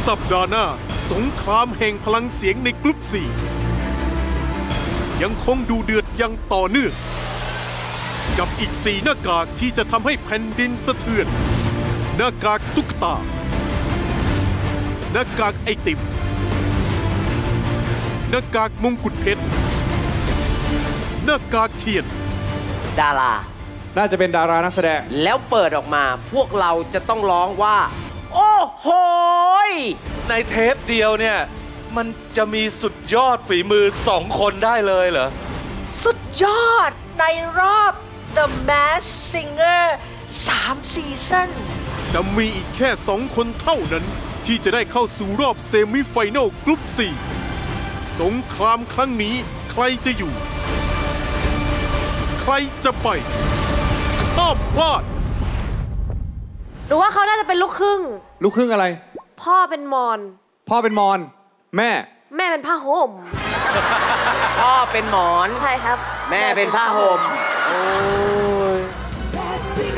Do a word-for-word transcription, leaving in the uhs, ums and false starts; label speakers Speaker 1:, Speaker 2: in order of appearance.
Speaker 1: สัปดาห์หน้าสงครามแห่งพลังเสียงในกลุ่มสี่ยังคงดูเดือดยังต่อเนื่องกับอีกสี่หน้ากากที่จะทำให้แผ่นดินสะเทือนหน้ากากตุ๊กตาหน้ากากไอติมหน้ากากมงกุฎเพชรหน้ากากเทียน
Speaker 2: ดารา
Speaker 3: น่าจะเป็นดารานักแสดง
Speaker 2: แล้วเปิดออกมาพวกเราจะต้องร้องว่าโอ้โห
Speaker 4: ในเทปเดียวเนี่ยมันจะมีสุดยอดฝีมือสองคนได้เลยเหรอ
Speaker 5: สุดยอดในรอบ The Masked Singer สามซีซั่น
Speaker 1: จะมีอีกแค่สองคนเท่านั้นที่จะได้เข้าสู่รอบเซมิไฟแนลกลุ่มสี่สงครามครั้งนี้ใครจะอยู่ใครจะไปห้ามพลาด
Speaker 6: หรือว่าเขาน่าจะเป็นลูกครึ่ง
Speaker 3: ลูกครึ่งอะไร
Speaker 6: พ่อเป็นมอญ
Speaker 3: พ่อเป็นมอญแม่
Speaker 6: แม่เป็นผ้าห่ม
Speaker 2: พ่อเป็นหมอน
Speaker 6: ใช่ครับ
Speaker 2: แม่เป็นผ้าห่มโอ้ย